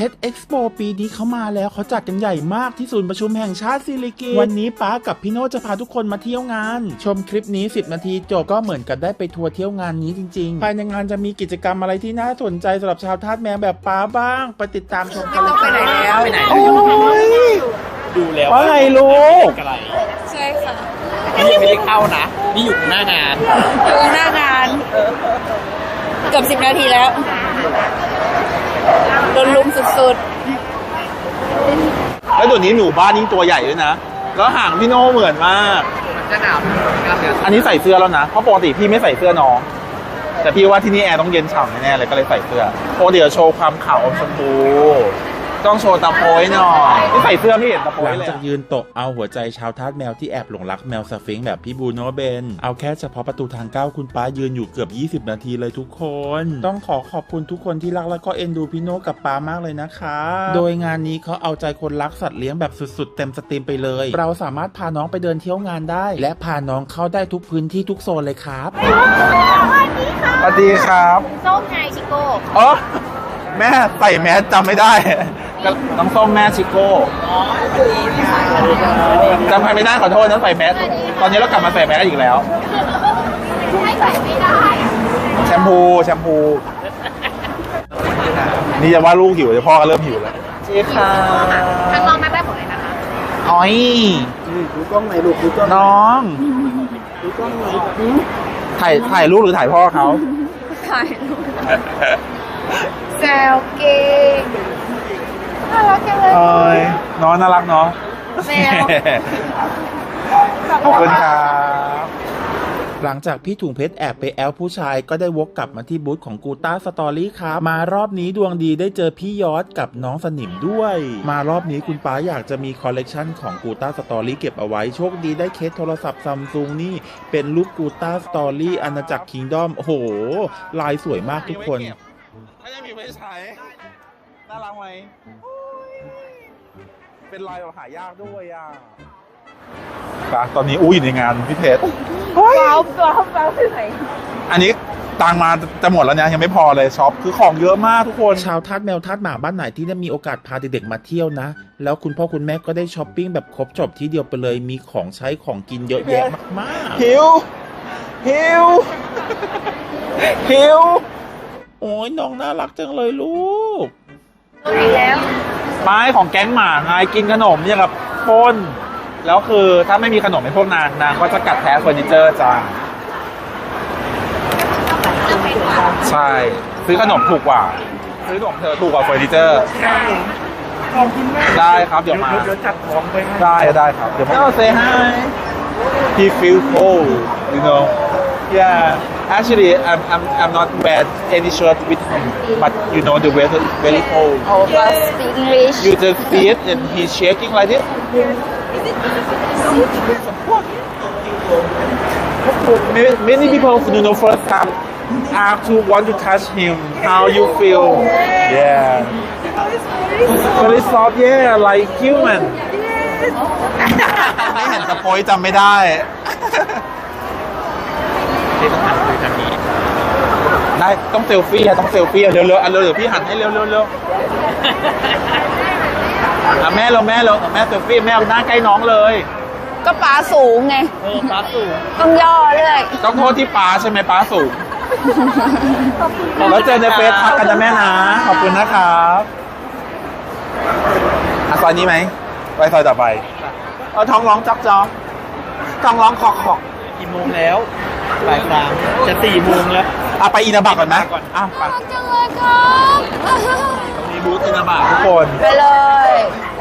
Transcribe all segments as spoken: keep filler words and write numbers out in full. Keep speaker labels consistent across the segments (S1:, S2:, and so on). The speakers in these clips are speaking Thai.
S1: ชรเอ็กซ์โปปีนี้เขามาแล้วเขาจัดกันใหญ่มากที่ศูนย์ประชุมแห่งชาติสิริกิติ์วันนี้ป้ากับพี่โน่จะพาทุกคนมาเที่ยวงานชมคลิปนี้สิบนาทีจบก็เหมือนกับได้ไปทัวร์เที่ยวงานนี้จริงๆภายในงานจะมีกิจกรรมอะไรที่น่าสนใจสำหรับชาวทาสแมวแบบป้าบ้างไปติดตามชมกันเลยไปไหนแล้วไปไหนโอ้ย
S2: ดูแล้ว
S1: ว่าไงลูก
S2: อะไร
S3: ใช่ค่ะ
S2: นี่ยังไม่ได้เข้านะ นี่อยู่หน้างาน
S3: อยู่หน้างานเกือบสิบนาทีแล้วโดนลุมสุด
S1: แล้วตัวนี้หนูบ้านยิ่งตัวใหญ่ด้วยนะแล้วหางพี่โน่เหมือนมาก
S2: มันจะหนาวกันเดี๋ยว
S1: อันนี้ใส่เสื้อแล้วนะเพราะปกติพี่ไม่ใส่เสื้อน้องแต่พี่ว่าที่นี่แอร์ต้องเย็นฉ่ำแน่ๆเลยก็เลยใส่เสื้อโอ้เดี๋ยวโชว์ความขาวอมชมพูต้องโชว์ตาโพยหน่อยที่ใส่เสื้อไม่เห็นตาโพยเลยหลังจากยืนตกเอาหัวใจชาวทาสแมวที่แอบหลงรักแมวสฟิงค์แบบพี่บูโนเบนเอาแค่เฉพาะประตูทางเข้าคุณป้ายืนอยู่เกือบยี่สิบนาทีเลยทุกคนต้องขอขอบคุณทุกคนที่รักและก็เอ็นดูพี่โนกับป้ามากเลยนะคะโดยงานนี้เขาเอาใจคนรักสัตว์เลี้ยงแบบสุดๆเต็มสตรีมไปเลยเราสามารถพาน้องไปเดินเที่ยวงานได้และพาน้องเข้าได้ทุกพื้นที่ทุกโซนเลยครับสวัสดีครับ
S3: ส้มไงชิโก้
S1: เออแม่ใส่แมสจำไม่ได้น้องส้มแม่ชิโก้จำใครไม่ได้ขอโทษนะใส่แมสตอนนี้เรากลับมาใส่แมสอีกแล้ว
S3: ให้ใส่ไม่ได้
S1: แชมพูแชมพูนี่จะว่าลูกหิวเดี๋ยวพ่อก็เริ่มหิวแล้วเจ๊ค่ะ
S3: ทางน้องมาได้หมดเลยนะคะ
S1: อ้อย
S2: ดูกล้องไหนลูกดูกล้อง
S1: น้อง
S2: ดูกล้องไหน
S1: ถ่ายถ่ายลูกหรือถ่ายพ่อเขา
S3: ถ่ายรูปแซวเก่งน่ารักจังเลย
S1: เอ้ยน้องน่ารักเนาะ
S3: แมว
S1: ขอบคุณครับหลังจากพี่ถุงเพชรแอบไปแอลผู้ชายก็ได้วกกลับมาที่บูธของกูต้าสตอรี่ครับมารอบนี้ดวงดีได้เจอพี่ยอดกับน้องสนิมด้วย มารอบนี้คุณป้าอยากจะมีคอลเลกชันของกูต้าสตอรี่เก็บเอาไว้โชคดีได้เคสโทรศัพท์ซัมซุงนี่เป็นรูปกูต้าสตอรี่อาณาจักรคิงดอมโอ้โหลายสวยมากทุกคนไม่ได้มีไม่ใช้น่ารักไหมเป็นลายแบบหายากด้วยอ่ะตอนนี้อู้อยู่ในงานพี่เพชร
S3: ว้าวว้าวว้าวที่ไหน
S1: อันนี้ตังมาจะหมดแล้วนะยังไม่พอเลยช็อปคือของเยอะมากทุกคนชาวทาสแมวทาสหมาบ้านไหนที่ได้มีโอกาสพาเด็กๆมาเที่ยวนะแล้วคุณพ่อคุณแม่ก็ได้ช้อปปิ้งแบบครบจบที่เดียวไปเลยมีของใช้ของกินเยอะแยะมากๆหิวหิวหิวโอ้ยน้องน่ารักจังเลยลูก
S3: อีกแล้ว
S1: ไม้ของแก๊งหมาไงกินขนมเนี่ยกับป้นแล้วคือถ้าไม่มีขนมให้พวกนางนางก็จะกัดแท้เฟอร์นิเจอร์จ้าใช่ซื้อขนมถูกกว่าซื้อขนมเธอถูกกว่าเฟอร์นิเจอร์ได้ครับเดี๋ยวมา
S2: เดี๋ยวจัดของไปให้
S1: ได้ได้ครับเดี๋ยวมา say hi he feel cold you know yeah actually I'm I'm I'm not wear any shirt with him but you know the weather is very cold
S3: Oh but speak English
S1: you just see it and he's shaking like this many, many people you know first time have to want to touch him how you feel yeah very soft yeah like human ไม่เห็นสปอยจำไม่ได้ได้ต้องเซลฟี่อะต้องเซลฟี่อะเร็วๆอ่ะเร็วเดี๋ยวพี่หันให้เร็วๆเร็วอ่ะแม่เราแม่เราแม่เซลฟี่แม่เอาหน้าใกล้น้องเลย
S3: ก็ป๋าสูงไง
S2: เออปลาสูง
S3: ต้องย่อเรื่อย
S1: ต้องโทษที่ป้าใช่ไหมป้าสูงแล้วเจอในเฟซทักกันนะแม่นะขอบคุณนะครับอ่ะซอยนี้ไหมไปซอยต่อไปเอาท้องร้องจ๊อกจ๊อกท้องร้องขอกขอก
S2: กี่โมงแล้วบ่ายสามจะสี่โมงแล้ว
S1: อ่ะไปอินาบักก่อนไหมอ่ะไป
S3: จังเลยครับ
S1: มีบูธอินาบักทุกคน
S3: ไปเลย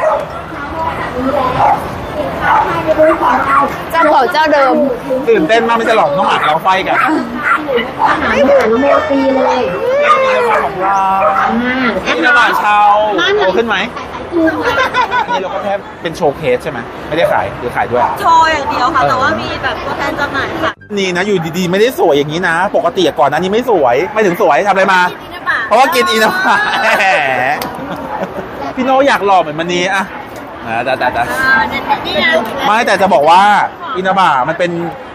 S3: เจ้าเก่าเจ้าเดิม
S1: ตื่นเต้นมากไม่ใช่หรอกน้องหมาเราไฟกัน
S3: ไม่ถึงโมตีเลย
S1: ของเราอินาบักชาวโตขึ้นไหมนี่เราก็แค่เป็นโชว์เคสใช่ไหมไม่ได้ขายหรือขายด้วย
S4: โชว์อย่างเดียวค่ะแต่ว่ามีแบบตัวแทนจำหน่ายค่ะ
S1: นี่นะอยู่ดีๆไม่ได้สวยอย่างนี้นะปกติก่อนหน้านี้ไม่สวยไม่ถึงสวยทำอะไรมาเพราะว่ากินอินาบะพี่โนอยากหล่อเหมือนมันนี้อะแต่แต่แต่ไม่แต่จะบอกว่าอินาบะมันเป็น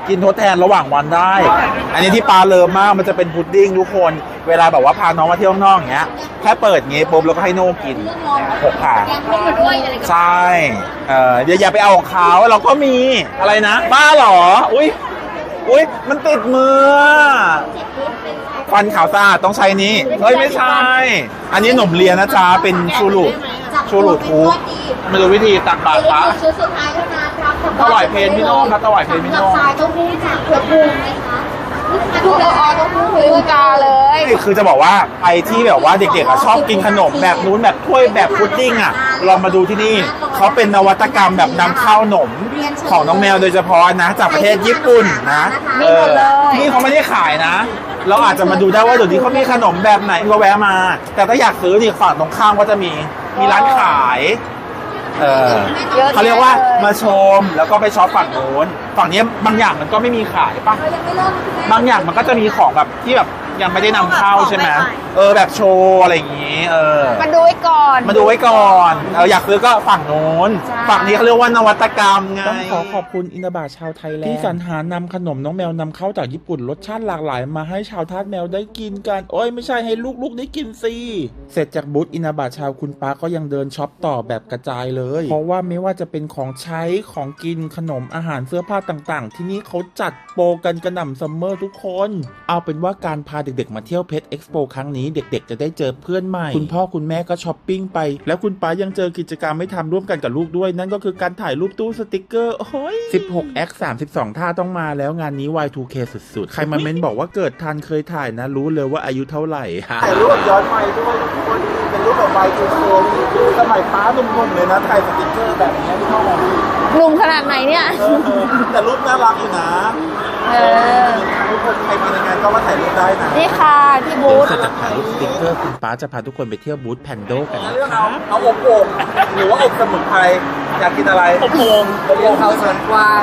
S1: กินทดแทนระหว่างวันได้ อันนี้ที่ปลาเลิฟมากมันจะเป็นพุดดิ้งทุกคนเวลาแบบว่าพาน้องมาเที่ยวข้างนอกอย่างเงี้ยแค่เปิดเงี้ยปุ๊บแล้วก็ให้โน่กินหกขาใช่เออเดี๋ยวอย่าไปเอาของเขาเราก็มีอะไรนะบ้าเหรออุ้ยอุ้ยมันติดมือฟันขาวสะอาดต้องใช้นี้เฮ้ยไม่ใช่ อันนี้หนมเลียนะจ๊ะเป็นชูรูชูรูทูบไม่รู้วิธีตักบาตรพระ
S3: ชุดสุดท้ายเท่านั้นครับ
S1: ถวายเพลงพี่โน่ครับถวายเพลงพี่โน่
S3: สายต้องพูดจากเผือกบูมไหมคะทุกออต้องพูดคุยกาเลย
S1: คือจะบอกว่าไปที่แบบว่าเด็กๆอะชอบกินขนมแบบนู้นแบบถ้วยแบบพุดดิ้งอ่ะลองมาดูที่นี่เขาเป็นนวัตกรรมแบบนำเข้าขนมของน้องแมวโดยเฉพาะนะจากประเทศญี่ปุ่นนะเออนี่เขาไม่ได้ขายนะ เราอาจจะมาดูได้ว่าเดี๋ยวนี้เขามีขนมแบบไหนก็แวะมา แต่ถ้าอยากซื้อนี่ฝั่งตรงข้ามก็จะมีมีร้านขายเออเขาเรียกว่ามาชมแล้วก็ไปช็อปฝั่งโน้นฝั่งนี้บางอย่างมันก็ไม่มีขายป่ะบางอย่างมันก็จะมีของแบบที่แบบยังไม่ได้นำเข้าใช่ไหมเออแบบโชว์อะไรอย่างงี้เออ
S3: มาดูไว้ก่อน
S1: มาดูไว้ก่อนเอออยากซื้อก็ฝั่งโน้นฝั่งนี้เขาเรียกว่านวัตกรรมไง
S5: ต้องขอขอบคุณอินาบาชาวไทยแลนด์ที่สรรหานำขนมน้องแมวนำเข้าจากญี่ปุ่นรสชาติหลากหลายมาให้ชาวทาสแมวได้กินกันโอ้ยไม่ใช่ให้ลูกๆได้กินสิเสร็จจากบูธอินาบาชาวคุณป้าก็ยังเดินช็อปต่อแบบกระจายเลยเพราะว่าไม่ว่าจะเป็นของใช้ของกินขนมอาหารเสื้อผ้าต่างๆ ที่นี่เขาจัดโปรกันกระหน่ำซัมเมอร์ทุกคนเอาเป็นว่าการพาเด็กๆมาเที่ยวเพชรเอ็กซ์โปครั้งนี้เด็กๆจะได้เจอเพื่อนใหม่คุณพ่อคุณแม่ก็ช้อปปิ้งไปแล้วคุณป้ายังเจอกิจกรรมไม่ทำร่วมกันกับลูกด้วยนั่นก็คือการถ่ายรูปตู้สติกเกอร์โอ้ยสิบหก แอค สามสิบสอง ท่าต้องมาแล้วงานนี้ วาย ทู เค สุดๆใครมาเม้นบอกว่าเกิดทันเคยถ่ายนะรู้เลยว่าอายุเท่าไหร่ฮะ
S1: ถ่ายรูปย้อนไปด้วยทุกคนเป็นรูปแบบไวทูโชว์สมัยป้าหนุ่มๆเลยนะถ่ายสติ๊กเกอร์แบบนี้ที่ห้อง
S3: หนุ่มขนาดไหนเนี่ย
S1: เออแต่รูปน่ารักอยู่นะ
S3: เออ
S1: ทุกคนใครมาในงานก็มาถ่ายรูปได้นะ
S3: นี่ค่ะที่บูธ
S5: เสร็จจากถ่ายรูปสติ๊กเกอร์คุณป้าจะพาทุกคนไปเที่ยวบูธแพนโดกันนะ
S1: เรื่อง
S5: ค
S1: เอา
S5: รับ
S1: เอาอบโอ่งหรือว่าอบสมุนไพรอยากกินอะไรอบโอ่งอบโอ่งเขาสวนกวาง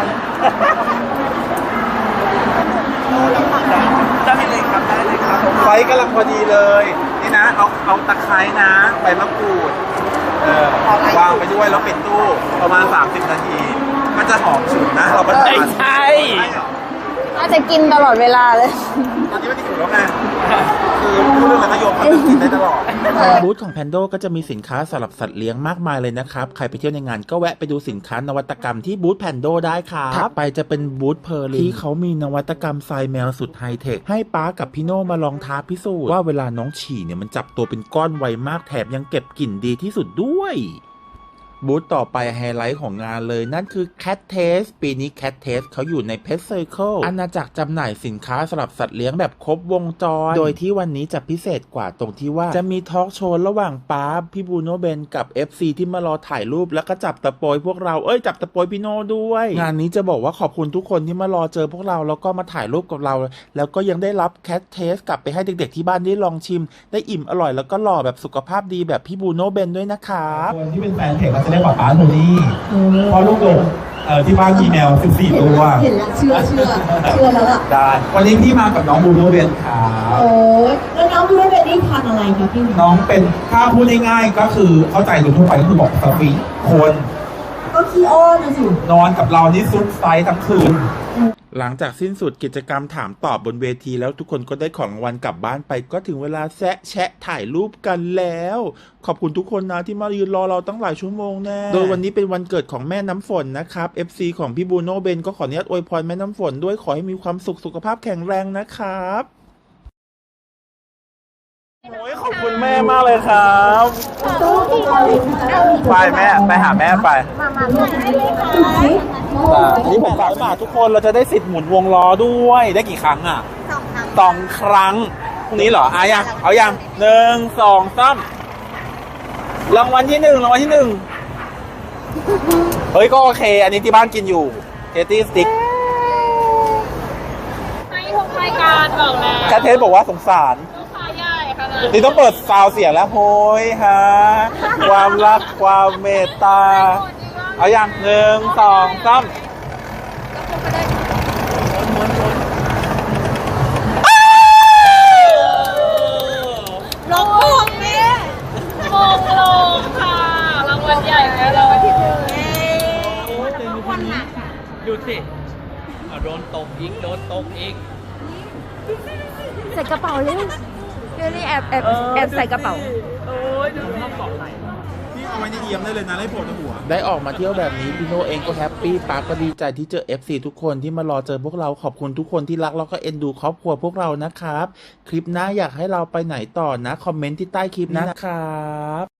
S2: ได้เลยครับได้เลยครับ
S1: ไฟกำลังพอดีเลย นี่นะ เอาเอาตะไคร้นะใบมะกรูดเออวางไปด้วยแล้วปิดตู้ประมาณสามสิบนาที มันจะหอมฉุนนะ เราก็จะ
S2: ไม่ใช่
S3: น่าจะกินตลอดเวลาเลย
S1: ตอนนี้ไม่ได้ฉุนแล้วไงคือพูดเรื่องอะไรนโยมมันจะกินได้ตลอด
S5: บูธของแพนโดก็จะมีสินค้าสำหรับสัตว์เลี้ยงมากมายเลยนะครับใครไปเที่ยวในงานก็แวะไปดูสินค้านวัตกรรมที่บูธแพนโดได้ครับถัดไปจะเป็นบูธเพอร์ลินที่เขามีนวัตกรรมทรายแมวสุดไฮเทคให้ป้ากับพี่โน่มาลองท้าพิสูจน์ว่าเวลาน้องฉี่เนี่ยมันจับตัวเป็นก้อนไวมากแถมยังเก็บกลิ่นดีที่สุดด้วยบูธต่อไปไฮไลท์ของงานเลยนั่นคือ Cat Taste ปีนี้ Cat Taste เขาอยู่ใน Pet Circle อาณาจักรจำหน่ายสินค้าสำหรับสัตว์เลี้ยงแบบครบวงจร โดยที่วันนี้จะพิเศษกว่าตรงที่ว่าจะมีทอล์กโชว์ระหว่างป้าพี่บูโนเบนกับ เอฟ ซี ที่มารอถ่ายรูปแล้วก็จับตะโปยพวกเราเอ้ยจับตะโปยพี่โน่ด้วย งานนี้จะบอกว่าขอบคุณทุกคนที่มารอเจอพวกเราแล้วก็มาถ่ายรูปกับเราแล้วก็ยังได้รับ Cat Taste กลับไปให้เด็กๆที่บ้านได้ลองชิมได้อิ่มอร่อยแล้วก็หล่อแบบสุขภาพดีแบบพี่บูโนเบนด้วยนะครับ
S6: คนที่เป็นแฟนเพจก็จะเรียกว่าป้าโทนี่เพราะลูกดกเอ่อที่บ้านมีแมวสิบสี่ตัว
S7: เห็นแล้วเชื่อเชื่อเชื่อแล้วล่ะ
S6: ได้วันนี้พี่มากับน้องบูโรเบนครับ
S7: โอ้ยแล้วน้องรู้เป็นได้ทานอะไรคะพี่
S6: น้องเป็นถ้าพูดง่ายๆก็คือเข้าใจโดยทั่วไปก็คือบอกสฟีคน
S7: ก็ขี้อ้อนนะสิ
S6: นอนกับเรานี่ซุดไซส์ทั้งคืน
S5: หลังจากสิ้นสุดกิจกรรมถามตอบบนเวทีแล้วทุกคนก็ได้ของรางวัลกลับบ้านไปก็ถึงเวลาแซะแชะถ่ายรูปกันแล้ว ขอบคุณทุกคนนะที่มายืนรอเราตั้งหลายชั่วโมงแน่โดยวันนี้เป็นวันเกิดของแม่น้ำฝนนะครับ เอฟ ซี ของพี่บูโนเบนก็ขออนุญาตอวยพรแม่น้ำฝนด้วยขอให้มีความสุขสุขภาพแข็งแรงนะครับ
S1: โอ้ยขอบคุณแม่มากเลยครับไปแม่ไปหาแม่ไปอันนี้ผมฝากฝากทุกคนเราจะได้สิทธิ์หมุนวงล้อด้วยได้กี่ครั้งอ่ะสองครั้งพรุ่งนี้เหรออ่ะยังเอายังหนึ่งสองสามรางวัลที่หนึ่งรางวัลที่หนึ่งเฮ้ยก็โอเคอันนี้ที่บ้านกินอยู่เทตี้สติ๊ก
S4: ให้ทุกรายการบอกแล้ว
S1: แคทเทสบอกว่าสงสาร
S4: ลูกค้าใหญ่ขนาด
S1: นี่ต้องเปิดซาวเสียงแล้วโหยฮะความรักความเมตตาเอาอย่างหนึ่งสองสาม
S4: ลงลงแม่ลงลงค่ะรางวัลใหญ่แล้วรางวัลที่หนึ่ง
S2: ดูสิเอาโดนตกอีกโดนตกอีก
S3: ใส่กระเป๋าเลยเดี๋ยวนี้แอบแอบแอบใส่กระเป๋า
S2: โอ้ยดูห้องเกาะไหล
S1: พี่เอาไว้ในเอียมได้เลยนะไล่โผล่ในหัว
S5: ได้ออกมาเที่ยวแบบนี้พี่โนเองก็แฮปปี้ปาก็ดีใจที่เจอ เอฟ ซี ทุกคนที่มารอเจอพวกเราขอบคุณทุกคนที่รักแล้วก็เอ็นดูครอบครัวพวกเรานะครับ คลิปหน้าอยากให้เราไปไหนต่อนะคอมเมนต์ที่ใต้คลิปนะครับ